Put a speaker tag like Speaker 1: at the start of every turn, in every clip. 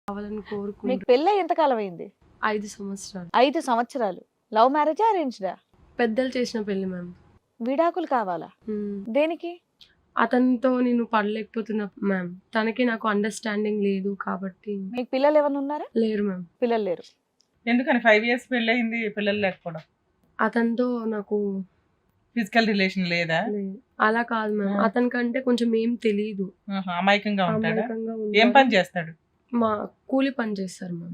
Speaker 1: కావాలని
Speaker 2: మీకు
Speaker 1: కోరుకుంటూ
Speaker 2: పెళ్ళి ఎంతకాలం అయింది?
Speaker 1: 5 సంవత్సరాలు
Speaker 2: 5 సంవత్సరాలు. లవ్ మ్యారేజా అరేంజ్డా?
Speaker 1: పెద్దలు చేసిన పెళ్లి మ్యామ్.
Speaker 2: విడాకులు కావాలా? దేనికి?
Speaker 1: అతనితో నేను పడలేకపోతున్నా మ్యామ్. తనకి నాకు అండర్స్టాండింగ్ లేదు కాబట్టి.
Speaker 2: మీకు పిల్లలు ఏమైనా ఉన్నారా?
Speaker 1: లేరు మ్యామ్.
Speaker 2: పిల్లలు లేరు.
Speaker 3: ఎందుకని 5 years పెళ్ళయింది పిల్లలు లేకపోవడం?
Speaker 1: అతనితో నాకు
Speaker 3: ఫిజికల్ రిలేషన్ లేదా?
Speaker 1: లేదు. అలా కాదు మ్యామ్. అతనికంటే కొంచెం ఏం తెలీదు.
Speaker 3: అమాయకంగా ఉంటాడా?
Speaker 1: అమాయకంగా
Speaker 3: ఏం
Speaker 1: ఉంటాడు.
Speaker 3: పని చేస్తాడు?
Speaker 1: మా కూలి పని చేస్తారు మ్యామ్.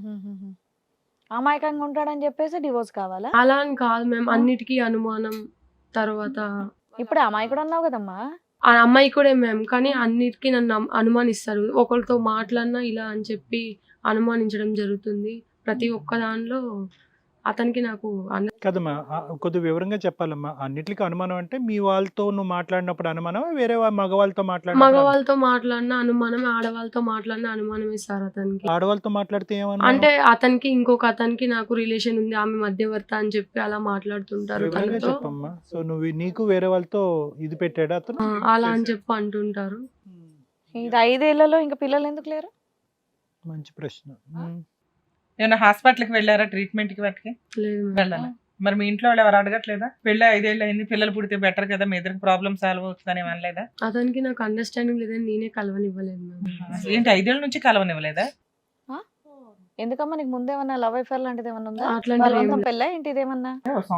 Speaker 2: అమాయకంగా ఉంటాడని చెప్పేసి డివోర్స్ కావాలా?
Speaker 1: అలా అని కాదు మ్యామ్. అన్నిటికీ అనుమానం. తర్వాత
Speaker 2: ఇప్పుడు అమాయకుడు అన్నావు కదమ్మా.
Speaker 1: ఆ అమ్మాయి కూడా మ్యామ్. కానీ అన్నిటికీ నన్ను అనుమానిస్తారు. ఒకరితో మాట్లాడినా ఇలా అని చెప్పి అనుమానించడం జరుగుతుంది. ప్రతి ఒక్క దానిలో అతనికి నాకు
Speaker 4: కదమ్మా, కొద్దిగా వివరంగా చెప్పాలమ్మా. అన్నిటికీ అనుమానం అంటే మీ వాళ్ళతో నువ్వు మాట్లాడినప్పుడు అనుమానం, వేరే మగవాళ్ళతో మాట్లాడినప్పుడు
Speaker 1: మగవాళ్ళతో మాట్లాడిన అనుమానం, ఆడవాళ్ళతో మాట్లాడిన అనుమానమే సార్ అతనికి.
Speaker 4: ఆడవాళ్ళతో మాట్లాడితే ఏమన్నా
Speaker 1: అంటే అతనికి ఇంకొక అతనికి నాకు రిలేషన్ ఉంది, ఆమె మధ్యవర్తి అని చెప్పి అలా మాట్లాడుతుంటారు
Speaker 4: వివరంగా
Speaker 1: తనతో.
Speaker 4: చెప్పమ్మా. సో నువ్వు నీకు వేరే వాళ్ళతో ఇది పెట్టాడా అతను?
Speaker 1: అలా అని చెప్పి అంటుంటారు.
Speaker 2: ఇది 5 ఏళ్లలో ఇంకా పిల్లలు ఎందుకు లేరు?
Speaker 4: మంచి ప్రశ్న.
Speaker 3: ఏమన్నా హాస్పిటల్కి వెళ్ళారా ట్రీట్మెంట్ కి వాటికి?
Speaker 1: లేదు మ్యామ్.
Speaker 3: వెళ్ళాలి. మరి మీ ఇంట్లో వాళ్ళు ఎవరు అడగట్లేదా? పెళ్ళి 5 years అయింది, పిల్లలు పుడితే బెటర్ కదా, మీ ఇద్దరికి ప్రాబ్లమ్ సాల్వ్ అవుతుందని అనలేదా?
Speaker 1: అతనికి నాకు అండర్స్టాండింగ్ లేదని నేనే కలవనివ్వలేదు మ్యామ్.
Speaker 3: ఏంటి 5 years నుంచి కలవనివ్వలేదా?
Speaker 2: ఎందుకమ్మా నీకు ముందేమన్నా లవ్ అఫేర్ లాంటిది ఏమన్నా ఉందా?
Speaker 1: అట్లాంటివి ఏం
Speaker 2: బలవంతం
Speaker 1: లేదు.
Speaker 2: పెళ్ళా ఏంటి ఇదేమన్నా?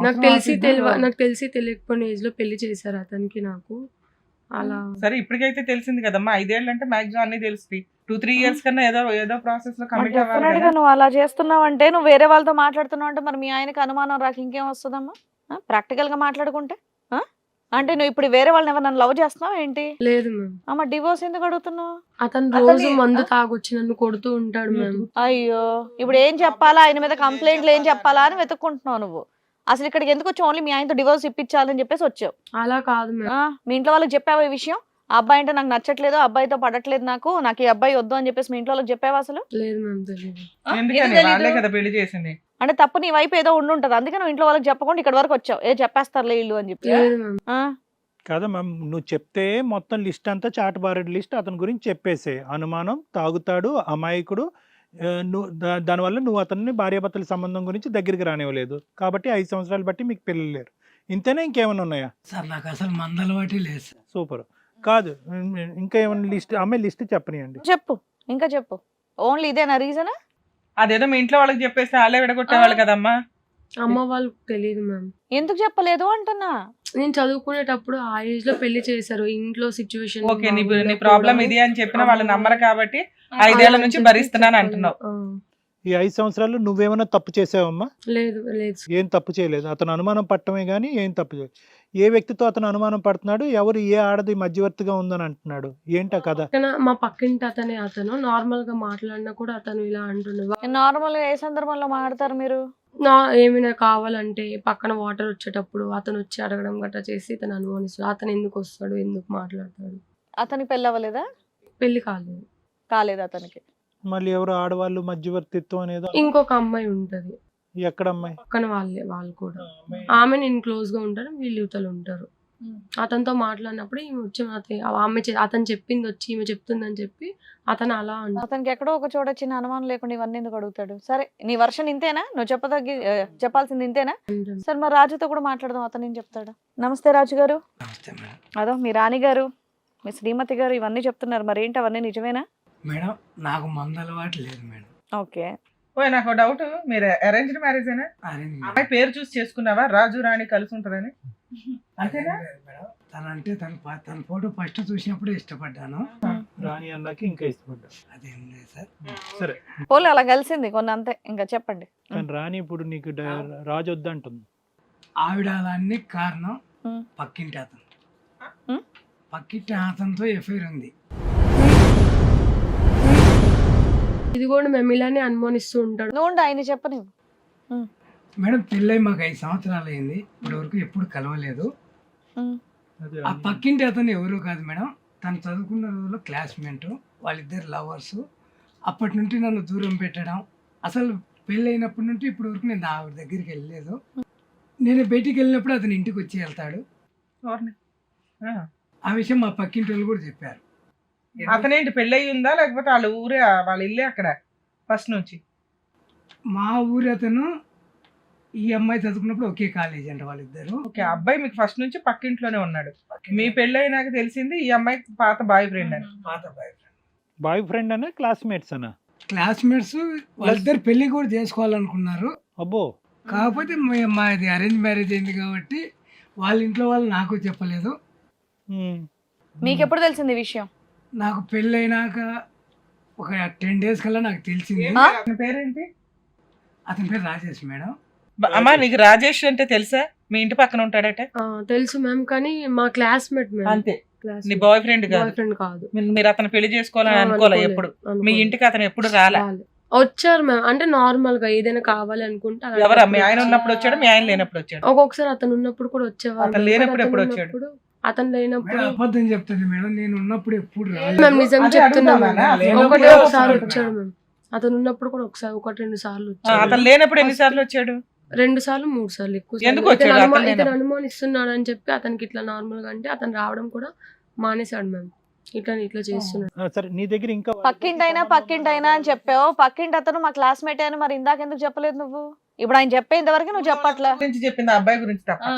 Speaker 1: నాకు తెలిసి తెలియకపోయిన ఏజ్ లో పెళ్లి చేశారు అతనికి నాకు. అలా
Speaker 3: సరే ఇప్పటికైతే తెలిసింది కదమ్మా. 5 years అంటే మాక్సిమం అన్ని తెలుస్తాయి. 2-3 years కన్నా ఏదో ప్రాసెస్ లో కమిట్ అవ్వాలి
Speaker 2: డెఫినెట్ గా
Speaker 3: కదా.
Speaker 2: నువ్వు అలా చేస్తున్నావు అంటే, నువ్వు వేరే వాళ్ళతో మాట్లాడుతున్నావు అంటే మరి మీ ఆయనకి అనుమానం రాక ఇంకేం వస్తుందమ్మా? ప్రాక్టికల్ గా మాట్లాడుకుంటే అంటే నువ్వు ఇప్పుడు వేరే వాళ్ళని ఎవరు నన్ను లవ్ చేస్తున్నావు ఏంటి?
Speaker 1: లేదు మ్యామ్.
Speaker 2: అమ్మ డివోర్స్ ఎందుకు అడుగుతున్నావు?
Speaker 1: అతను రోజు మందు తాగొచ్చి నన్ను కొడుతూ ఉంటాడు మ్యామ్.
Speaker 2: అయ్యో, ఇప్పుడు ఏం చెప్పాలా, ఆయన మీద కంప్లైంట్లు ఏం చెప్పాలా అని వెతుక్కుంటున్నావు నువ్వు. అసలు ఇక్కడికి ఎందుకు వచ్చావు? ఓన్లీ మీ ఆయనతో డివోర్స్ ఇప్పించాలని చెప్పేసి వచ్చావు.
Speaker 1: అలా కాదు మ్యామ్.
Speaker 2: మీ ఇంట్లో వాళ్ళకి చెప్పావా ఈ విషయం? ఆ అబ్బాయి అంటే నాకు నచ్చట్లేదు, ఆ అబ్బాయితో పడట్లేదు, నాకు ఈ అబ్బాయి వద్దు అని చెప్పేసి మీ ఇంట్లో వాళ్ళకి చెప్పావా అసలు?
Speaker 1: లేదు మ్యామ్, తెలియదు.
Speaker 3: ఎందుకని వాళ్ళే కదా పెళ్లి చేసింది.
Speaker 2: అంటే తప్పు నీ వైపు ఏదో ఉండుంటది, అందుకే నువ్వు ఇంట్లో వాళ్ళకి చెప్పకుండా ఇక్కడ వరకు వచ్చావు. చెప్పేస్తారులే ఇల్లు అని చెప్పి.
Speaker 1: లేదు మ్యామ్.
Speaker 4: కాదమ్మా, నువ్వు చెప్తే మొత్తం లిస్ట్ అంతా చాటుబారెడ్ లిస్ట్ అతని గురించి చెప్పేసే. అనుమానం, తాగుతాడు, అమాయకుడు, నువ్వు దానివల్ల నువ్వు అతన్ని భార్యాభర్తల సంబంధం గురించి దగ్గరికి రానివ్వలేదు కాబట్టి 5 సంవత్సరాలు బట్టి మీకు పిల్లలు లేరు. ఇంతేనా ఇంకేమైనా ఉన్నాయా?
Speaker 5: సార్ నాకు అసలు మందలవాటి లేదు సార్.
Speaker 4: సూపర్. కాదు, ఇంకా ఏమైనా లిస్ట్, అమ్మాయి లిస్ట్ చెప్పనియండి.
Speaker 2: చెప్పు, ఇంకా చెప్పు. ఓన్లీ ఇదేనా రీజన్?
Speaker 3: అదేదో మీ ఇంట్లో వాళ్ళకి చెప్పేస్తే వాళ్ళే విడగొట్టేవాళ్ళు కదమ్మా.
Speaker 1: అమ్మ వాళ్ళకి తెలియదు మ్యామ్.
Speaker 2: ఎందుకు చెప్పలేదు అంటున్నా?
Speaker 1: నేను చదువుకునేటప్పుడు ఆ ఏజ్ లో పెళ్లి చేశారు. ఇంట్లో సిచ్యువేషన్
Speaker 3: ఓకే, నీ ప్రాబ్లం ఇది అని చెప్పిన వాళ్ళు నమ్మరు కాబట్టి 5 years నుంచి భరిస్తున్నాను అంటున్నావు.
Speaker 4: ఈ 5 సంవత్సరాలు నువ్వేమైనా తప్పు చేసావమ్మా?
Speaker 1: లేదు లేదు.
Speaker 4: ఏం తప్పు చేయలేదు. అతను అనుమానం పట్టమే కానీ ఏం తప్పు చేయలేదు. ఏ వ్యక్తితో అతను అనుమానం పడుతున్నాడు, ఎవరు ఏ ఆడది మధ్యవర్తిగా ఉందని అంటున్నాడు, ఏంటా కదా?
Speaker 1: మా పక్కింటి అతను నార్మల్ గా మాట్లాడినా కూడా అతను ఇలా అంటున్నాడు.
Speaker 2: నార్మల్ గా ఏ సందర్భంలో మాట్లాడతారు మీరు?
Speaker 1: ఏమైనా కావాలంటే పక్కన వాటర్ వచ్చేటప్పుడు అతను వచ్చి అడగడం గట్రా చేసి తను అనుమానిస్తాడు. అతను ఎందుకు వస్తాడు, ఎందుకు మాట్లాడతాడు.
Speaker 2: అతనికి పెళ్ళి అవ్వలేదా?
Speaker 1: పెళ్లి కాలేదు
Speaker 2: అతనికి.
Speaker 4: మళ్ళీ ఎవరు ఆడవాళ్ళు మధ్యవర్తిత్వం అనేది
Speaker 1: ఇంకొక అమ్మాయి ఉంటది.
Speaker 4: ఎక్కడ అమ్మాయి?
Speaker 1: పక్కన వాళ్ళు కూడా. ఆమె నేను క్లోజ్ గా ఉంటారు, వీళ్ళు యువతలు ఉంటారు. అతనితో మాట్లాడినప్పుడు ఈమె వచ్చి అతను చెప్పింది వచ్చి ఈమె చెప్తుందని చెప్పి అతను అలా అంటాడు.
Speaker 2: అతనికి ఎక్కడో ఒక చోట చిన్న అనుమానం లేకుండా ఇవన్నీ ఎందుకు అడుగుతాడు? సరే, నీ వర్షన్ ఇంతేనా? నువ్వు చెప్పాల్సింది ఇంతేనా? సరే, మరి రాజుతో కూడా మాట్లాడదాం, అతను ఏం చెప్తాడు. నమస్తే రాజు గారు.
Speaker 5: నమస్తే మేడం.
Speaker 2: అదో మీ రాణి గారు, మీ శ్రీమతి గారు ఇవన్నీ చెప్తున్నారు, మరి ఏంటి అవన్నీ నిజమేనా?
Speaker 5: మేడం నాకు మందలవాటి లేదు మేడం.
Speaker 2: ఓకే.
Speaker 3: నాకు డౌట్, మీరు అరేంజ్డ్ మ్యారేజ్ అయినా? అమ్మాయి పేరు చూసి చేసుకున్నావా? రాజు రాణి కలిసి ఉంటదని అంతేనా?
Speaker 5: మేడం తనంటే తన ఫోటో ఫస్ట్ చూసినప్పుడు ఇష్టపడ్డాను.
Speaker 4: రాణి అన్నాకి ఇంకా ఇష్టపడ్డా.
Speaker 5: అదేం లేదు సార్.
Speaker 4: సరే,
Speaker 2: పోలే అలా కలిసింది కొన్ని అంతే. ఇంకా చెప్పండి.
Speaker 4: కానీ రాణి ఇప్పుడు నీకు రాజు వద్దంటుంది.
Speaker 5: ఆవిడ అలాన్ని కారణం పక్కింటి అతను. పక్కింటి అతనితో ఎఫ్ఐఆర్ ఉంది.
Speaker 1: ఇది కూడా మేము ఇలానే అనుమానిస్తూ ఉంటాడు.
Speaker 2: నువ్వు ఆయన చెప్పని.
Speaker 5: మేడం పెళ్ళై మాకు 5 సంవత్సరాలు అయింది, ఇప్పటి వరకు ఎప్పుడు కలవలేదు. ఆ పక్కింటి అతను ఎవరు కాదు మేడం, తను చదువుకున్న రోజుల్లో క్లాస్మేట్, వాళ్ళిద్దరు లవర్స్. అప్పటి నుండి నన్ను దూరం పెట్టడం, అసలు పెళ్ళి అయినప్పటి నుండి ఇప్పటి వరకు నేను ఆవిడ దగ్గరికి వెళ్ళలేదు. నేను బయటికి వెళ్ళినప్పుడు అతను ఇంటికి వచ్చి వెళ్తాడు. ఆ విషయం మా పక్కింటి వాళ్ళు కూడా చెప్పారు.
Speaker 3: అతనేంటి పెళ్ళయి ఉందా లేకపోతే వాళ్ళ ఊరే వాళ్ళ ఇల్లే అక్కడ? ఫస్ట్ నుంచి?
Speaker 5: మా ఊరి అతను ఈ అమ్మాయి చదువుకున్నప్పుడు ఒకే కాలేజీ అంట వాళ్ళిద్దరు.
Speaker 3: ఓకే, అబ్బాయి మీకు ఫస్ట్ నుంచి పక్కింట్లోనే ఉన్నాడు. మీ పెళ్ళి అయినాక తెలిసింది ఈ అమ్మాయి పాత బాయ్ ఫ్రెండ్ అని.
Speaker 5: పాత బాయ్ ఫ్రెండ్.
Speaker 4: బాయ్ ఫ్రెండ్ అనే క్లాస్మేట్స్ అనా?
Speaker 5: క్లాస్మేట్స్ వాళ్ళిద్దరు పెళ్లి కూడా చేసుకోవాలనుకున్నారు.
Speaker 4: అబ్బో.
Speaker 5: కాకపోతే మాది అరేంజ్ మ్యారేజ్ అయింది కాబట్టి వాళ్ళ ఇంట్లో వాళ్ళు నాకు చెప్పలేదు.
Speaker 4: ఉమ్.
Speaker 2: మీకు ఎప్పుడు తెలిసింది ఈ విషయం?
Speaker 5: నాకు పెళ్ళి అయినాక ఒక 10 days కల్లా నాకు తెలిసింది.
Speaker 3: అతని పేరేంటి?
Speaker 5: అతని పేరు రాజేష్ మేడం.
Speaker 3: అమ్మా నీకు రాజేష్ అంటే తెలుసా? మీ ఇంటి పక్కన ఉంటాడట?
Speaker 1: తెలుసు మ్యామ్, కానీ మా క్లాస్మేట్ మ్యామ్.
Speaker 3: అంతే, నీ బాయ్ ఫ్రెండ్ కాదు.
Speaker 1: బాయ్ ఫ్రెండ్ కాదు.
Speaker 3: మీరు అతను పెళ్లి చేసుకోవాలని అనుకోలే ఎప్పుడు? మీ ఇంటికి అతను ఎప్పుడు రాలే?
Speaker 1: వచ్చారు మ్యామ్, అంటే నార్మల్ గా ఏదైనా కావాలి అనుకుంటే అలా
Speaker 3: ఎవరా? మీ ఆయన ఉన్నప్పుడు వచ్చాడు, మీ ఆయన లేనప్పుడు వచ్చాడు?
Speaker 1: ఒక్కొక్కసారి అతను ఉన్నప్పుడు కూడా వచ్చేవారు.
Speaker 3: అతను లేనప్పుడు ఎప్పుడు వచ్చాడు?
Speaker 1: అతను లేనప్పుడు
Speaker 5: మేడం అబద్ధం చెప్తుంది మేడం, నేను ఉన్నప్పుడు ఎప్పుడు
Speaker 1: మేము
Speaker 5: రాలేదు.
Speaker 1: నిజం
Speaker 3: అదే
Speaker 1: చెప్తున్నాం
Speaker 3: అడుగుదామా?
Speaker 1: మ్యామ్.
Speaker 5: లేనప్పుడు
Speaker 1: ఒకటే ఒకసారి
Speaker 5: వస్తాడు
Speaker 1: వచ్చాడు మ్యామ్. అతను ఉన్నప్పుడు కూడా ఒకసారి 1-2 సార్లు వచ్చాడు.
Speaker 3: అతను లేనప్పుడు ఎన్నిసార్లు వచ్చాడు?
Speaker 1: 2 సార్లు 3 సార్లు ఎక్కువ
Speaker 3: ఎందుకు వచ్చాడు? అతను
Speaker 1: ఇతను అనుమానిస్తున్నాడు అని చెప్పి అతనికి ఇట్లా నార్మల్ గా అంటే అతను రావడం కూడా మానేశాడు మ్యామ్. ఇట్లా చేస్తున్నాడు.
Speaker 4: సరే, నీ దగ్గర ఇంకా
Speaker 2: పక్కింటైనా అని చెప్పావు. పక్కింటి అతను మా క్లాస్మేట్ అని మరి ఇందాక ఎందుకు చెప్పలేదు నువ్వు? ఇప్పుడు ఆయన చెప్పేంత వరకు నువ్వు చెప్పట్లా.
Speaker 3: గురించి చెప్పింది ఆ అబ్బాయి గురించి తప్ప.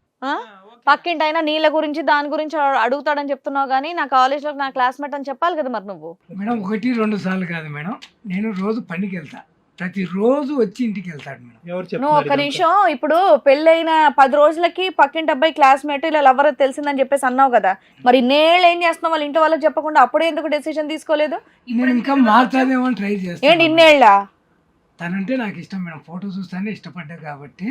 Speaker 2: పక్కింటైనా నీళ్ళ గురించి దాని గురించి అడుగుతాడని చెప్తున్నావు, కానీ నా కాలేజ్ లో నా క్లాస్మేట్ అని చెప్పాలి కదా మరి నువ్వు.
Speaker 5: మేడం 1-2 సార్లు కాదు మేడం, నేను రోజు పనికి వెళ్తా, ప్రతిరోజు వచ్చి ఇంటికి వెళ్తాడు మేడం.
Speaker 4: ఎవరు
Speaker 2: నువ్వు ఒక్క
Speaker 4: చెప్తున్నారు
Speaker 2: నిమిషం, ఇప్పుడు పెళ్ళైన 10 రోజులకి పక్కింటి అబ్బాయి క్లాస్మేట్ ఇలా ఎవరో తెలిసిందని చెప్పేసి అన్నావు కదా, మరి నేళ్ళు ఏం చేస్తున్నావు? వాళ్ళ ఇంట్లో వాళ్ళకి చెప్పకుండా అప్పుడే ఎందుకు డెసిషన్ తీసుకోలేదు?
Speaker 5: నేను ఇంకా మాట్లాడేమో ట్రై
Speaker 2: ఏంటి
Speaker 5: చేస్తాను.
Speaker 2: ఇన్నేళ్ళ?
Speaker 5: తనంటే నాకు ఇష్టం మేడం, ఫోటో చూస్తానే ఇష్టపడ్డా కాబట్టి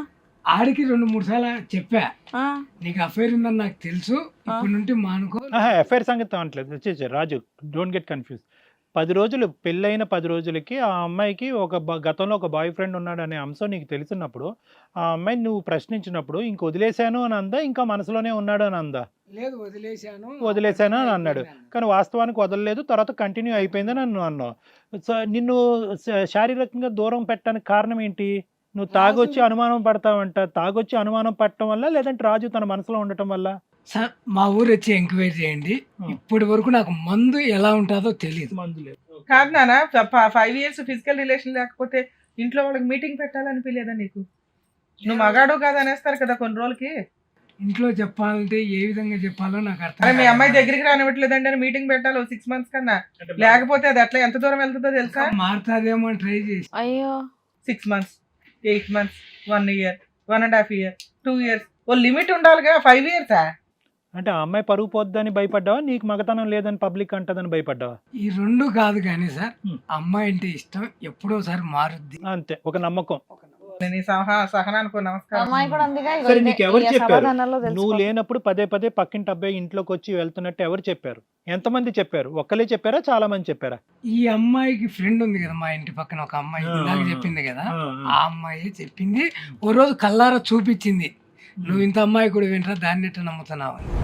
Speaker 5: ఆడికి 2-3 సార్లు చెప్పా, నీకు అఫైర్ ఉందని నాకు తెలుసు, ఇప్పటి నుండి మానుకో.
Speaker 4: ఎఫ్ఐఆర్ సంగతి అనట్లేదు. వచ్చేసి రాజు, డోంట్ గెట్ కన్ఫ్యూజ్. 10 రోజులు పెళ్ళైన 10 రోజులకి ఆ అమ్మాయికి గతంలో ఒక బాయ్ ఫ్రెండ్ ఉన్నాడు అనే అంశం నీకు తెలిసినప్పుడు ఆ అమ్మాయిని నువ్వు ప్రశ్నించినప్పుడు ఇంక వదిలేశాను అని అందా, ఇంకా మనసులోనే ఉన్నాడు అని అందా?
Speaker 5: లేదు,
Speaker 4: వదిలేశాను అని అన్నాడు, కానీ వాస్తవానికి వదలలేదు, తర్వాత కంటిన్యూ అయిపోయిందని నువ్వు అన్నావు. సో నిన్ను శారీరకంగా దూరం పెట్టడానికి కారణం ఏంటి? నువ్వు తాగొచ్చి అనుమానం పడతావంట. తాగొచ్చి అనుమానం పడటం వల్ల, లేదంటే రాజు తన మనసులో ఉండటం వల్ల?
Speaker 5: సార్ మా ఊరు వచ్చి ఎంక్వైరీ చేయండి, ఇప్పటి వరకు నాకు మందు ఎలా ఉంటుందో తెలియదు.
Speaker 4: మందు లేదు.
Speaker 3: కాదు నాన్న, 5 years ఫిజికల్ రిలేషన్ లేకపోతే ఇంట్లో వాళ్ళకి మీటింగ్ పెట్టాలనిపించలేదా నీకు? నువ్వు మగాడు కాదు అనేస్తారు కదా కొన్ని రోజులకి.
Speaker 5: ఇంట్లో చెప్పాలంటే ఏ విధంగా చెప్పాలో నాకు అర్థం
Speaker 3: అరే మీ
Speaker 5: కాదు.
Speaker 3: అమ్మాయి దగ్గరికి రానివ్వట్లేదండి అని మీటింగ్ పెట్టాలి 6 months కన్నా, లేకపోతే అది అట్లా ఎంత దూరం వెళ్తుందో తెలుసా?
Speaker 5: మారుతాదేమో అని ట్రై చేసి
Speaker 2: అయ్యో
Speaker 3: 6 months, 8 months, 1 year, 1.5 year, 2 years, ఓ లిమిట్ ఉండాలిగా. 5 years
Speaker 4: అంటే ఆ అమ్మాయి పరుగు పోద్దని భయపడ్డావా, నీకు మగతనం లేదని పబ్లిక్ అంటదని భయపడ్డావా?
Speaker 5: ఈ 2 కాదు కానీ సార్, అమ్మాయి అంటే ఇష్టం, ఎప్పుడోసారి మారుద్ది
Speaker 4: అంతే, ఒక నమ్మకం.
Speaker 3: నేను ఈ సహనానికి నమస్కారం.
Speaker 2: అమ్మాయి కూడా అందుగా ఇగో
Speaker 4: సరే,
Speaker 2: ఇదే,
Speaker 4: నీకు ఎవరు
Speaker 2: ఈ
Speaker 4: చెప్పారు?
Speaker 2: సమాధానాల్లో
Speaker 4: నువ్వు
Speaker 2: తెలుసుకో.
Speaker 4: లేనప్పుడు పదే పక్కింటి అబ్బాయి ఇంట్లోకి వచ్చి వెళ్తున్నట్టు ఎవరు చెప్పారు? ఎంతమంది చెప్పారు? ఒక్కలే చెప్పారా, చాలా మంది చెప్పారా?
Speaker 5: ఈ అమ్మాయికి ఫ్రెండ్ ఉంది కదా మా ఇంటి పక్కన ఒక అమ్మాయి, ఇందాక చెప్పింది కదా, ఆ అమ్మాయి చెప్పింది. ఓ రోజు కల్లారా చూపించింది, నువ్వు ఇంత అమ్మాయి కూడా వింటరా, దాన్ని ఎట్లా నమ్ముతున్నావు అని.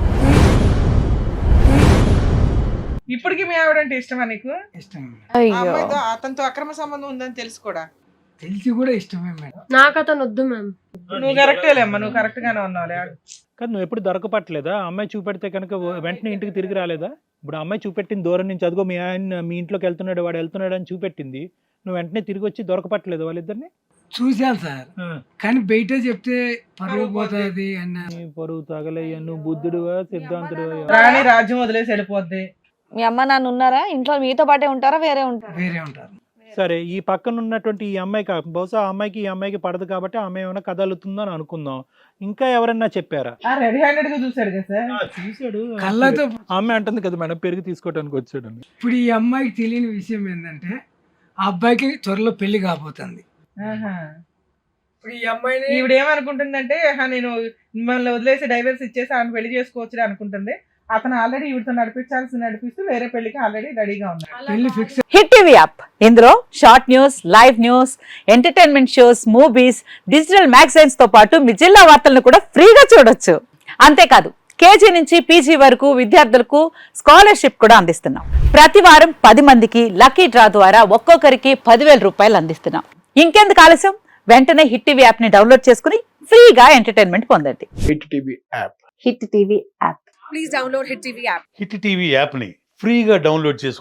Speaker 3: ఇప్పటికి మీ ఆవిడంటే ఇష్టమా నీకు?
Speaker 5: ఇష్టమే మేడం,
Speaker 3: ఆ
Speaker 2: అయ్యో
Speaker 3: అమ్మాయితో అతనితో అక్రమ సంబంధం ఉందని తెలుసు కూడా.
Speaker 5: తెలిసి కూడా ఇష్టమే మేడం.
Speaker 1: నాకు అతను వద్దు మ్యామ్.
Speaker 3: నువ్వు కరెక్టేలేమ్మా, నువ్వు కరెక్ట్ గానే ఉన్నావులే.
Speaker 4: కానీ నువ్వు ఎప్పుడు దొరకపట్టలేదా? అమ్మాయి చూపెడితే కనుక వెంటనే ఇంటికి తిరిగి రాలేదా? ఇప్పుడు అమ్మాయి చూపెట్టింది దూరం నుంచి, అదిగో మీ ఆయన మీ ఇంట్లోకి వెళ్తున్నాడు, వాడు వెళ్తున్నాడు అని చూపెట్టింది, నువ్వు వెంటనే తిరిగి వచ్చి దొరకపట్టలేదు వాళ్ళిద్దరిని?
Speaker 5: చూశాను సార్, కానీ బయట చెప్తే పరువు పోతుంది అన్న.
Speaker 4: నీ పరువు తగలయ్యా, నువ్వు బుద్ధుడువా సిద్ధాంతుడువా?
Speaker 3: రాణి రాజ్యం వదిలేసి వెళ్ళిపోద్ది.
Speaker 2: మీ అమ్మ నాన్న ఉన్నారా ఇంట్లో? మీతో పాటే ఉంటారా, వేరే ఉంటారా?
Speaker 5: వేరే ఉంటారు.
Speaker 4: సరే, ఈ పక్కన ఉన్నటువంటి ఈ అమ్మాయికి బహుశా ఆ అమ్మాయికి ఈ అమ్మాయికి పడదు కాబట్టి ఆమె ఏమైనా కదలుతుందో అని అనుకుందాం. ఇంకా ఎవరన్నా చెప్పారా?
Speaker 3: రెడీ హ్యాండెడ్ గా చూసాడు కదా సార్.
Speaker 4: చూసాడు,
Speaker 5: కళ్ళతో.
Speaker 4: ఆ అమ్మాయి అంటుంది కదా మేడం, పెరుగు తీసుకోవడానికి వచ్చాడు.
Speaker 5: ఇప్పుడు ఈ అమ్మాయికి తెలియని విషయం ఏంటంటే, ఆ అబ్బాయికి త్వరలో పెళ్లి కాబోతుంది. ఇప్పుడు ఈ అమ్మాయిని
Speaker 3: ఈవిడ ఏమనుకుంటుందంటే, నేను మిమ్మల్ని వదిలేసి డైవర్స్ ఇచ్చేసి ఆమె పెళ్లి చేసుకోవచ్చు అనుకుంటుంది. అతను ఆల్రెడీ ఈవిడతో నడిపిస్తూ వేరే పెళ్లికి ఆల్రెడీ రెడీగా ఉన్నాడు.
Speaker 5: పెళ్లి ఫిక్స్.
Speaker 6: హిట్ టీవీ యాప్, ఇందులో short news, live news, entertainment shows, movies, digital magazines తో పాటు మీ జిల్లా వార్తలను కూడా ఫ్రీగా చూడొచ్చు. అంతేకాదు, కేజీ నుంచి పీజీ వరకు విద్యార్థులకు స్కాలర్షిప్ కూడా అందిస్తున్నాం. ప్రతి వారం 10 మందికి లక్కీ డ్రా ద్వారా ఒక్కొక్కరికి 10,000 రూపాయలు అందిస్తున్నాం. ఇంకెందుకు ఆలస్యం, వెంటనే హిట్ టీవీ యాప్ ని డౌన్లోడ్ చేసుకుని ఫ్రీగా ఎంటర్టైన్మెంట్ పొందండి.
Speaker 7: Hit TV app.
Speaker 6: Hit TV app.
Speaker 8: Hit TV యాప్ని ఫ్రీగా డౌన్లోడ్ చేసుకొని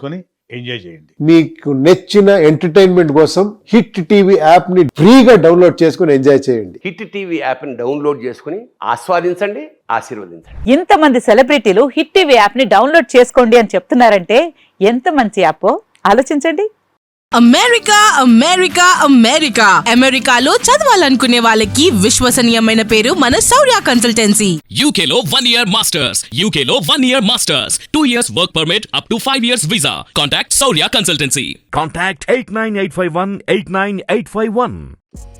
Speaker 7: ఎంజాయ్ చేయండి.
Speaker 8: మీకు నచ్చిన ఎంటర్టైన్మెంట్ కోసం హిట్ టీవీ యాప్ ని ఫ్రీగా డౌన్లోడ్ చేసుకుని ఎంజాయ్ చేయండి.
Speaker 9: హిట్ టీవీ యాప్ని డౌన్లోడ్ చేసుకుని ఆస్వాదించండి, ఆశీర్వదించండి.
Speaker 6: ఇంతమంది సెలబ్రిటీలు హిట్ టీవీ యాప్ ని డౌన్లోడ్ చేసుకోండి అని చెప్తున్నారంటే ఎంత మంచి యాప్ ఆలోచించండి.
Speaker 10: అమెరికా అమెరికా అమెరికా అమెరికాలో చదవాలనుకునే వాళ్ళకి విశ్వసనీయమైన పేరు మన శౌర్య కన్సల్టెన్సీ.
Speaker 11: UK లో 1 year masters, UK లో 1 year masters, 2 years work permit up to 5 years visa. Contact Saurya Consultancy.
Speaker 7: Contact 89851 89851.